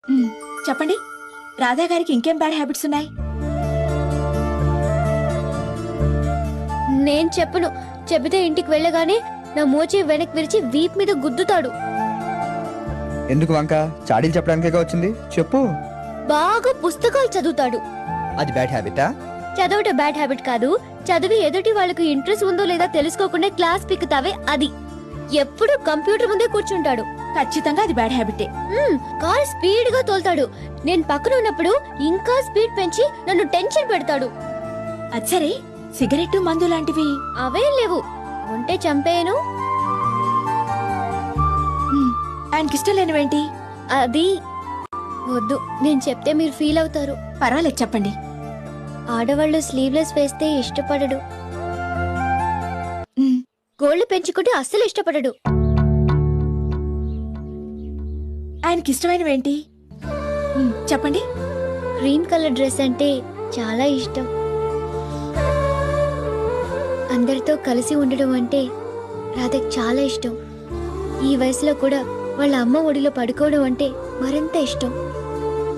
చెప్పండి, రాధా గారికి ఇంకేం బ్యాడ్ హ్యాబిట్స్ ఉన్నాయి? నేను చెప్పను. చెబితే ఇంటికి వెళ్ళగానే నా మోచే వెనక్కి విరిచి వీప్ మీద గుద్దుతాడు. ఎందుకు వంక? చాడీలు చెప్పడానికే వచ్చింది, చెప్పు. బాగా పుస్తకాలు చదువుతాడు. అది బ్యాడ్ హ్యాబిటా? చదవటం బ్యాడ్ హ్యాబిట్ కాదు. చదివి ఎదుటి వాళ్ళకు ఇంట్రెస్ట్ ఉందో లేదా తెలుసుకోకుండా క్లాస్ పిక్కుతావే అది. ఎప్పుడు కంప్యూటర్ ముందే కూర్చుంటాడు. ఖచ్చితంగా అది బ్యాడ్ హ్యాబిటే. కార్ స్పీడ్ గా తోలుతాడు. నేను పక్కన ఉన్నప్పుడు ఇంకా స్పీడ్ పెంచి నన్ను టెన్షన్ పెడతాడు. అచ్చరే, సిగరెట్ మందు లాంటివి అవేం లేవు. ఉంటే చంపేయను. ఆయనకిష్టం లేనివేంటి? అది వద్దు, నేను చెప్తే మీరు ఫీల్ అవుతారు. పర్వాలేదు, చెప్పండి. ఆడవాళ్ళు స్లీవ్లెస్ వేస్తే ఇష్టపడడు. గోళ్లు పెంచుకుంటే అస్సలు ఇష్టపడడు. ఆయనకిష్టమైనవేంటి? చెప్పండి. క్రీమ్ కలర్ డ్రెస్ అంటే చాలా ఇష్టం. అందరితో కలిసి ఉండడం అంటే రాధకి చాలా ఇష్టం. ఈ వయసులో కూడా వాళ్ళ అమ్మ ఒడిలో పడుకోవడం అంటే మరింత ఇష్టం.